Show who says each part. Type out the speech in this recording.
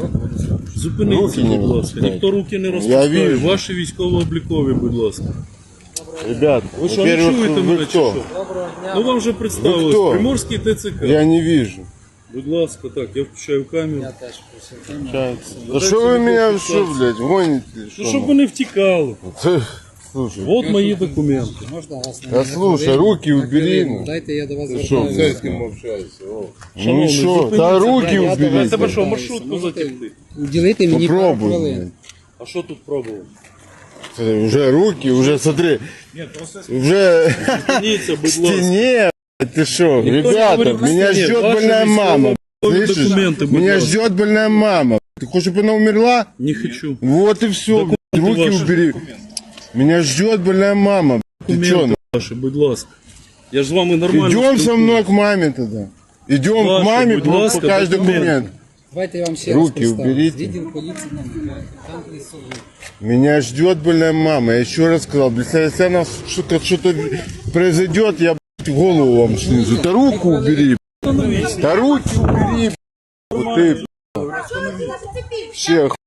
Speaker 1: Зупиніться,
Speaker 2: Руки не
Speaker 1: будь ласка.
Speaker 2: розпускайте.
Speaker 1: Ніхто руки не
Speaker 2: Я
Speaker 1: розпускає.
Speaker 2: вижу.
Speaker 1: Ваші військово-облікові, будь ласка.
Speaker 2: Ребят,
Speaker 1: Ви що, не
Speaker 2: во-первых,
Speaker 1: чуєте
Speaker 2: вы
Speaker 1: мене чи
Speaker 2: кто?
Speaker 1: що? Ну вам вже представилось.
Speaker 2: кто?
Speaker 1: Приморський ТЦК.
Speaker 2: Я не вижу.
Speaker 1: Будь ласка, так, я включаю камеру.
Speaker 2: Да что вы меня, что, блядь, гоните?
Speaker 1: Ну, щоб ви не втікали.
Speaker 2: Слушай,
Speaker 1: От мої документи.
Speaker 3: Можна вас на
Speaker 2: да слушай, руки убери. Ну,
Speaker 3: Дайте я до вас
Speaker 2: что,
Speaker 3: звертаюся.
Speaker 2: с кем общаешься?
Speaker 1: Шановний,
Speaker 2: Ну что,
Speaker 1: зупиніться.
Speaker 2: да руки
Speaker 3: Я до
Speaker 2: убери.
Speaker 3: вас
Speaker 1: Тебе
Speaker 2: блядь.
Speaker 1: що, маршрутку затягти?
Speaker 3: Уділити мені пару
Speaker 2: Попробуй,
Speaker 3: хвилин.
Speaker 2: блядь.
Speaker 1: А що тут пробував?
Speaker 2: Уже руки, уже смотри. Уже
Speaker 1: Зупиніться,
Speaker 2: в
Speaker 1: будь ласка.
Speaker 2: стене. Ты что,
Speaker 1: не
Speaker 2: ребята,
Speaker 1: говорит в
Speaker 2: меня
Speaker 1: стене.
Speaker 2: ждет
Speaker 1: Ваши
Speaker 2: больная мама.
Speaker 1: військово-облікові
Speaker 2: Слышишь?
Speaker 1: документы, будь
Speaker 2: Меня
Speaker 1: ласка.
Speaker 2: ждет больная мама. Ты хочешь, чтобы она умерла?
Speaker 1: Не хочу.
Speaker 2: Вот и все. Руки
Speaker 1: ваши.
Speaker 2: убери. Меня ждет больная мама. Ты что?
Speaker 1: Документи ваші, будь ласка. Я ж з вами нормально
Speaker 2: Идем со
Speaker 1: спілкуюсь.
Speaker 2: мной к маме тогда. Идем к
Speaker 1: Ваши,
Speaker 2: маме,
Speaker 1: будь ласка,
Speaker 2: покажешь
Speaker 1: документы.
Speaker 2: документ.
Speaker 3: Давайте я вам ще
Speaker 2: Руки
Speaker 3: раз представлю.
Speaker 2: уберіть.
Speaker 3: Відділ поліції номер 5. Там присутні.
Speaker 2: Меня ждет больная мама. Я еще раз сказал, если у нас что-то произойдет, я блядь, голову вам снизу. Да руку убери. Да руки убери. Вот ты. Все.